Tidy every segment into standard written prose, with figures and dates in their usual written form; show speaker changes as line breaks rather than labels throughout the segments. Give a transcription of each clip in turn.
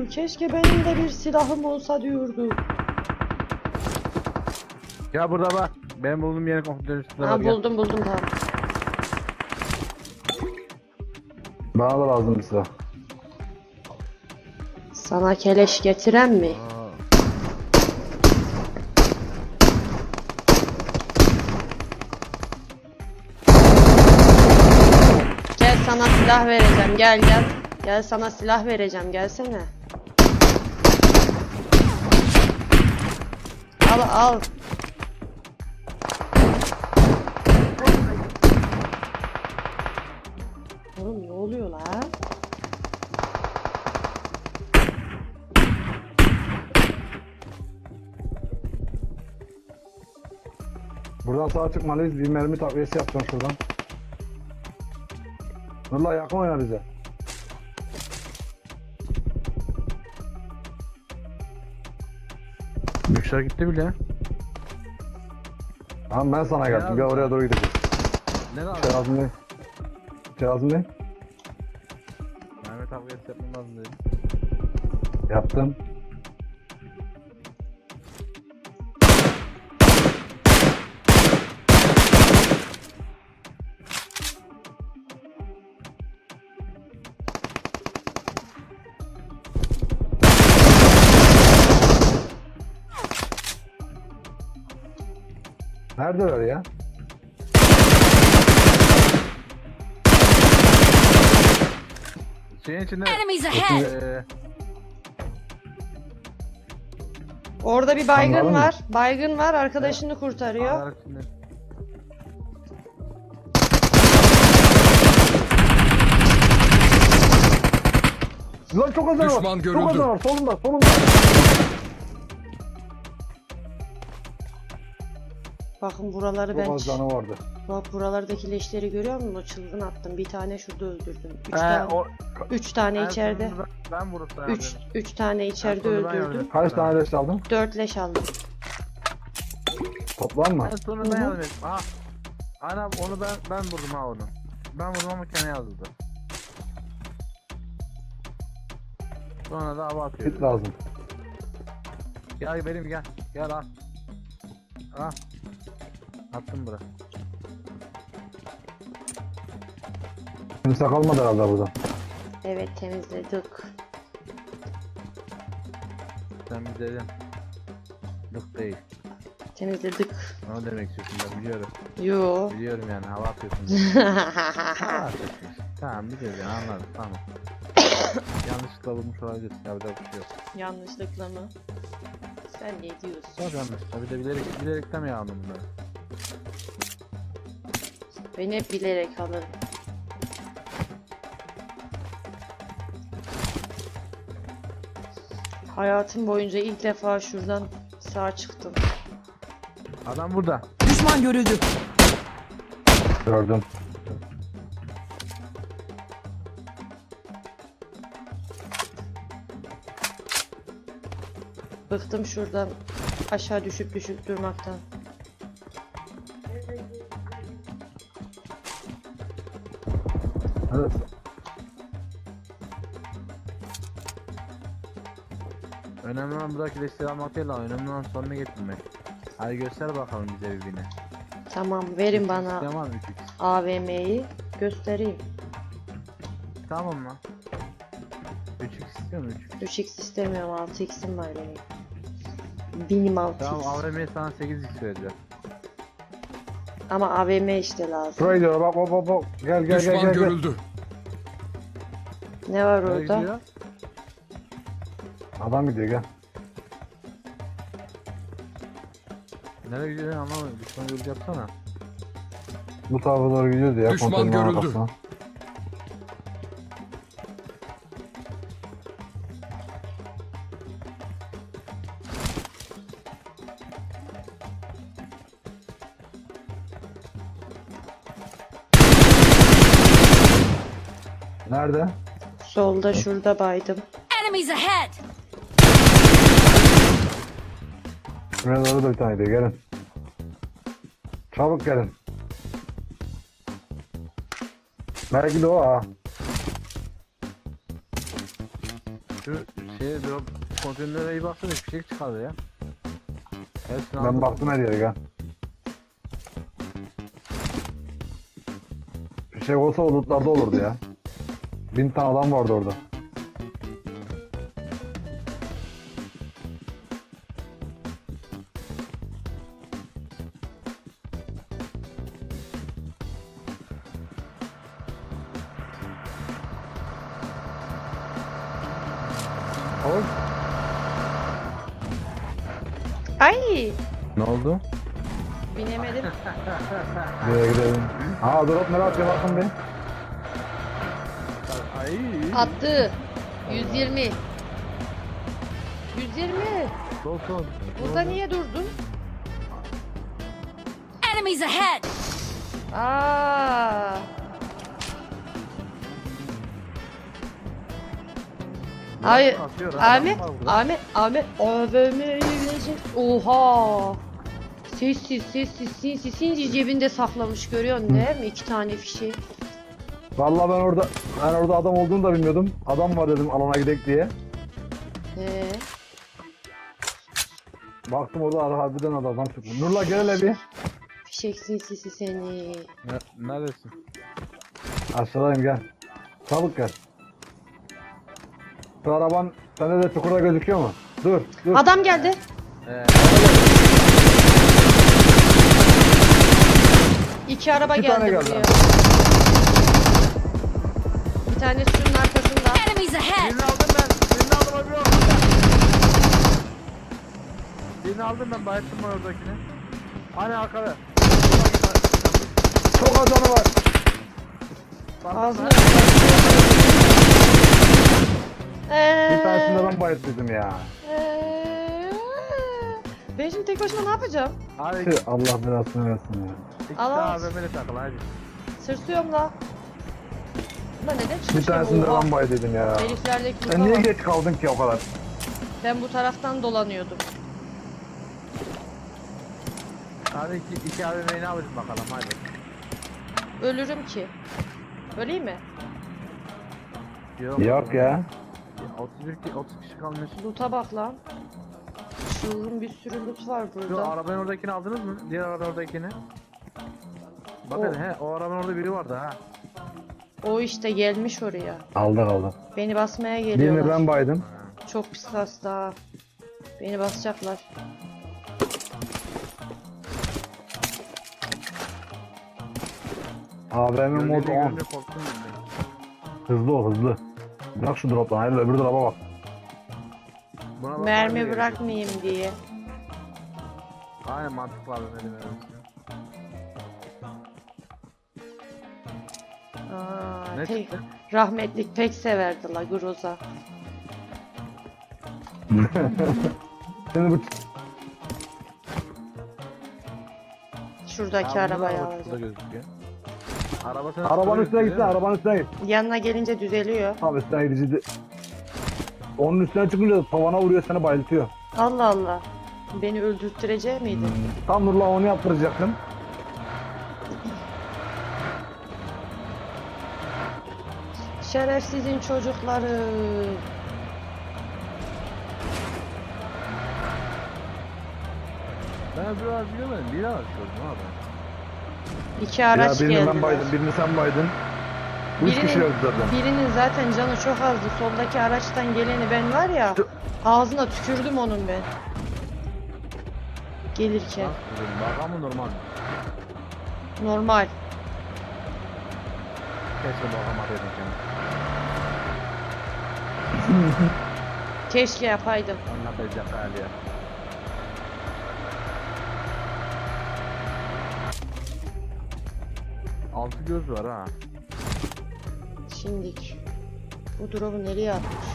diyordu. Keşke benim de bir silahım olsa diyordu.
Ya burada bak. Ben bulduğum yerin kontrol üstünde var.
Ha,
Gel.
buldum tamam.
Bana da lazım bir silah.
Sana keleş getiren mi?
Aa.
Gel sana silah vereceğim. Gel. Gel sana silah vereceğim. Gelsene. Al. Oğlum ne oluyor la?
Buradan sağa çıkmalıyız. Bir mermi takviyesi yapacağım şuradan. Nurla yakın oyna bize.
Müşter gitti bile.
Tamam ben sana geldim. Gel oraya doğru gideceğiz.
Ne lazım?
Şey lazım değil. Şey lazım değil.
Mehmet abi yapmam lazım dedi.
Yaptım. Neredeler ya?
Şeyin içinde...
Enemies ahead!
Orada bir baygın
Anladın mı?
var. Baygın var. Arkadaşını kurtarıyor.
Ağlar içinde.
Lan çok az var.
Düşman görüldü.
Çok az var. Solunda.
Bakın buraları
Çok
ben...
az canı vardı.
Bak buralardaki leşleri görüyor musun? O çılgın attım. Bir tane şurada öldürdüm.
O...
Üç tane
en
içeride.
sonunda Ben vurup
Üç tane içeride
sonunda ben
öldürdüm.
öldüm.
Kaç tane leş aldın?
4 leş aldım.
Toplam mı?
En sonunda ben yardım ettim. Aha. Ana onu ben vurdum ha onu. Ben vurdum ama kendi yazıldı. Sonra da hava atıyor.
Hit lazım.
Gel benim gel. Gel al. Al. Attım buraya.
Kimse kalmadı herhalde burada.
Evet temizledik.
Sen bir dedin. Yok değil.
Temizledik.
Ne demek istiyorsun ben biliyorum.
Yo.
Biliyorum yani hava atıyorsun. Hava atıyorsun. Tamam biliyorum yani anladım tamam. Yanlışlıkla vurmuş olabilirsin ya bir de bir şey yok.
Yanlışlıkla mı? Sen ne diyorsun?
Çok yanlışlıkla bir de bilerekten mi yağmur bunları?
Ben hep bilerek alırım. Hayatım boyunca ilk defa şuradan sağ çıktım.
Adam burada.
Düşman görüldü.
Gördüm.
Bıktım şuradan aşağı düşüp durmaktan.
Evet.
Önemli olan buradaki desteği almak değil lan. Önemli olan sonuna getirmek. Hadi göster bakalım bize birbirine.
Tamam verin bana
Tamam 3x.
AVM'yi göstereyim.
Tamam lan. 3x istiyor musun 3x?
3x istemiyorum 6x'im var benim. Benim 6x.
Tamam AVM'ye sana 8x vereceğim.
Ama AVM işte lazım.
Şuraya gidiyor bak. Gel.
Düşman görüldü.
Ne var
Nereye
orada?
gidiyor?
Adam gidiyor gel.
Nereye gidiyor anlamadım. Düşman yolu yapsana.
Bu tarafa doğru gidiyordu ya.
Düşman
kontrolün
görüldü.
arkasına. Nerede?
Solda şurada baydım.
Enemies ahead!
Şuraya doğru da bir tane gidiyor gelin. Çabuk gelin. Belki de o ha.
Şu drop konteynere iyi baksana, hiçbir şey çıkardı ya. Hepsini
Ben
aldım.
baktım her yere gel. Bir şey olsa o lootlarda olurdu ya. 1000 tane adam vardı orada. Oğlum.
Ay!
Ne oldu?
Binemedim.
Buraya gidelim. Aa drop nereye atıyor bakın bir.
Ay.
Attı. 120. 120.
Dolsun.
Burada niye durdun?
Enemies ahead!
Aa! Hayır.
Atıyor, adam
Ahmet,
var burada.
Ahmet, AVM'ye gelecek. Oha! Sessiz, sinsi cebinde saklamış, görüyorsun değil mi? 2 tane fişi.
Vallahi ben orada adam olduğunu da bilmiyordum. Adam var dedim alana gidek diye.
He.
Baktım orada harbiden adam çıkmış. Nurla gel hele bir.
Fişek sinsisi seni.
Neredesin?
Aşağıdayım gel. Çabuk gel. Şu araban sende de çukurda gözüküyor mu? Dur.
Adam geldi. İki araba
İki tane
geldi
geldi.
buraya. Bir tanesi şunun arkasında.
Enemies ahead!
Birini aldım ben. Birini aldım abi. Birini aldım ben. Bayılttım ben oradakini. Hani arkada.
Çok az canı var.
Ağzına
Bir tanesinde ben bayılttıydım ya.
Ben şimdi tek başıma ne yapacağım?
Hadi
Tüh, Allah belasını versin ya.
iki
Allah.
tane AVM'li takıl hadi.
Sırsıyorum la. Ulan neden
Bir
çıkmışım?
tanesinde
Oha.
ben bayılttıydım ya.
Heriflerdeki
Sen niye
bak.
geç kaldın ki o kadar?
Ben bu taraftan dolanıyordum.
Hadi iki AVM'yi ne yapacağız bakalım hadi.
Ölürüm ki. Öleyim mi?
Yok ya.
30 kişi kalmış.
Loot'a bak lan. Şuurun bir sürü loot var
Şu
burada.
arabanın oradakini aldınız mı? Diğer arabanın oradakini. Bakın o arabanın orada biri vardı ha.
O işte gelmiş oraya.
Aldık.
Beni basmaya
Birini
geliyorlar.
ben baydım.
Çok pis hasta. Beni basacaklar.
AVM mod
Görünce
10.
görünce korktum ben.
Hızlı ol hızlı. Bırak şu drop'tan hayır öbür drop'a bak.
Buna bak,
Mermi
hadi
bırakmayayım diye.
geliyor. Aynen mantıklı abi ne demek.
Aa,
Ne
pek,
çıktı?
rahmetlik pek severdi la Groza.
Şimdi bu
Şuradaki
Abi,
arabayı
bunun arabası
alacağım.
da gözüküyor.
arabanın üstüne gitsin arabanın üstüne git.
Yanına gelince düzeliyor.
Abi üstüne gidiciydi. Onun üstüne çıkınca tavana vuruyor seni bayıltıyor.
Allah Allah. Beni öldürttürecek miydi?
Tam Nurla onu yaptıracaktım.
Şerefsizin çocukları.
Ben biraz bilemedim. Bir araç gördüm abi.
İki araç
ya birini
geldi.
ben baydım birini sen baydın. Bu üç kişi
Birinin,
öldü zaten.
birinin zaten canı çok azdı. Soldaki araçtan geleni ben var ya. Ağzına tükürdüm onun ben. Gelirken.
Bak ama normal.
Normal.
Keşke bakamadıydım kendimi.
Keşke yapaydım.
Anlatacak hali ya. Altı göz var ha.
Şimdik. Bu drop'u nereye atmış?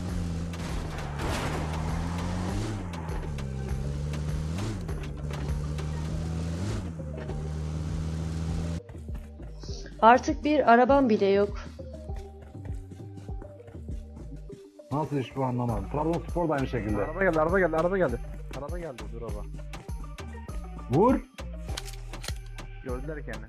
Artık bir arabam bile yok.
Nasıl iş bu anlamadım. Trabzonspor da aynı şekilde.
Araba geldi, araba geldi, araba geldi. Araba geldi, dur araba.
Vur.
Gördüler kendini.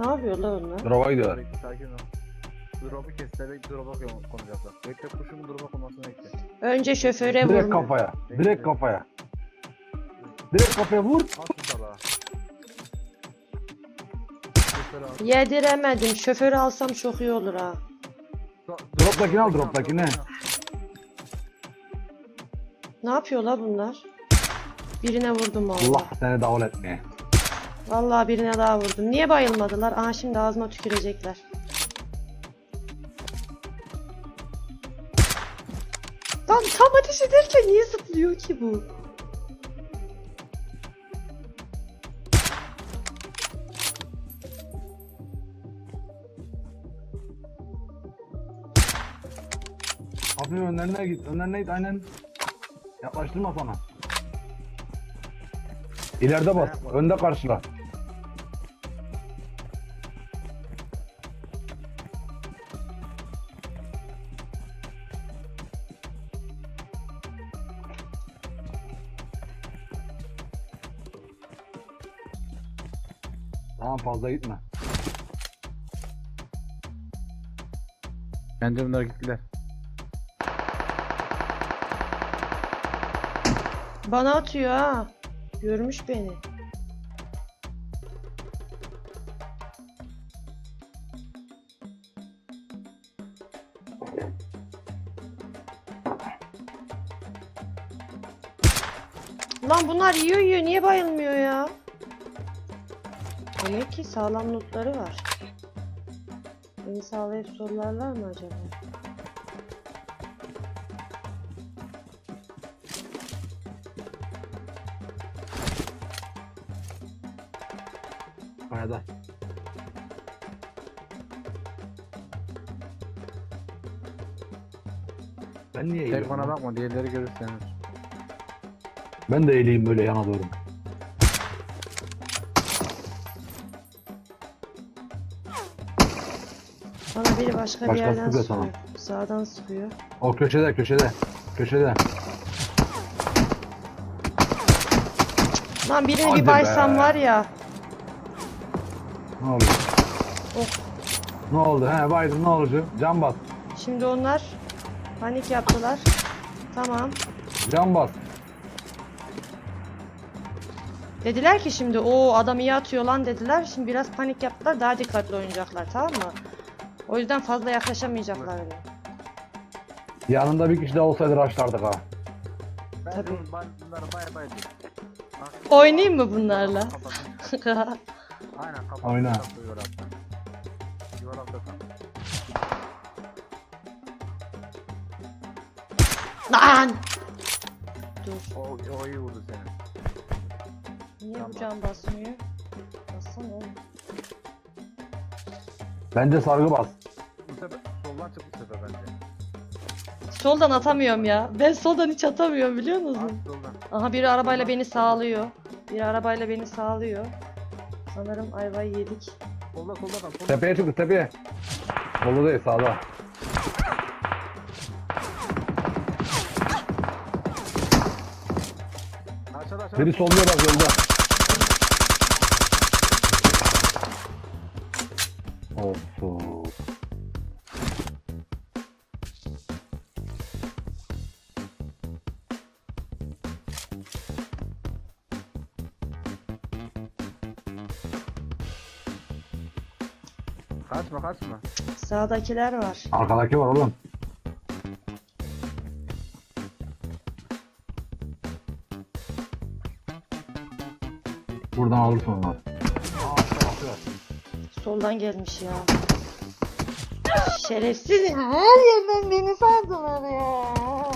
Ne yapıyor lan onlar?
Drop'a gidiyorlar.
Bekle, sakin ol. Drop'u kestirerek drop'a konacaklar. Bekle kuşun drop'a konmasını bekle.
Önce şoföre
Direkt
vurma.
kafaya. Direkt kafaya. Direkt kafaya vur.
At şu salağı. Şoförü al.
Yediremedim. Şoförü alsam çok iyi olur ha.
Drop'takini al, drop'takini.
Ne yapıyorlar bunlar? Birine vurdum
Allah
valla.
seni davul etmeye.
Vallahi birine daha vurdum. Niye bayılmadılar? Aha şimdi ağzıma tükürecekler. Lan tam ateş ederken niye zıplıyor ki bu?
Hafif önlerine git. Önlerine git aynen. Yaklaştırma sana. İleride bas. Önde karşıla. Tamam fazla gitme.
Bence bunlar gittiler.
Bana atıyor ha. Görmüş beni. Lan bunlar yiyor. Niye bayılmıyor ya? Demek ki sağlam lootları var. Beni sağlayıp sorularlar mı acaba?
Kayada. Ben niye
Tek
eğiliyorum
bana
lan?
bakma, diğerleri görürseniz.
Ben de eğileyim böyle yana doğru.
Bana biri başka bir
Başkası
yerden
sıkıyor
sıkıyor.
sana.
Sağdan sıkıyor.
O köşede köşede. Köşede.
Lan birini
Hadi
bir baysam
be.
var ya.
Ne oldu?
Of.
Ne oldu? He Biden ne oldu? Can bas.
Şimdi onlar panik yaptılar. Tamam.
Can bas.
Dediler ki şimdi o adam iyi atıyor lan dediler. Şimdi biraz panik yaptılar. Daha dikkatli oynayacaklar, tamam mı? O yüzden fazla yaklaşamayacaklar öyle.
Yanında bir kişi de olsaydı raşlardık ha.
Ben
Tabii.
bunları bay bay diyorum.
Oynayayım mı bunlarla?
Aynen kapat.
Oyna.
Yuvarlakta kal.
Lan! Dur.
O iyi vurdu seni.
Niye bu can basmıyor? Bassana oğlum.
Bence sargı bas.
Bu sefer soldan çık bu sefer bence.
Soldan atamıyorum ya. Ben soldan hiç atamıyorum biliyor musun?
At soldan.
Aha biri arabayla beni sağlıyor. Biri arabayla beni sağlıyor. Sanırım ayvayı yedik.
Solda kal. Solda.
Tepeye çıktı tepeye. Solda değil sağda.
Aşağıda.
Biri solluyor bak yolda. Olsun.
Kaçma.
Sağdakiler var.
Arkadaki var oğlum. Buradan alırsın onları.
Soldan gelmiş ya. Şerefsiz ya. Her yerden beni sardılar ya.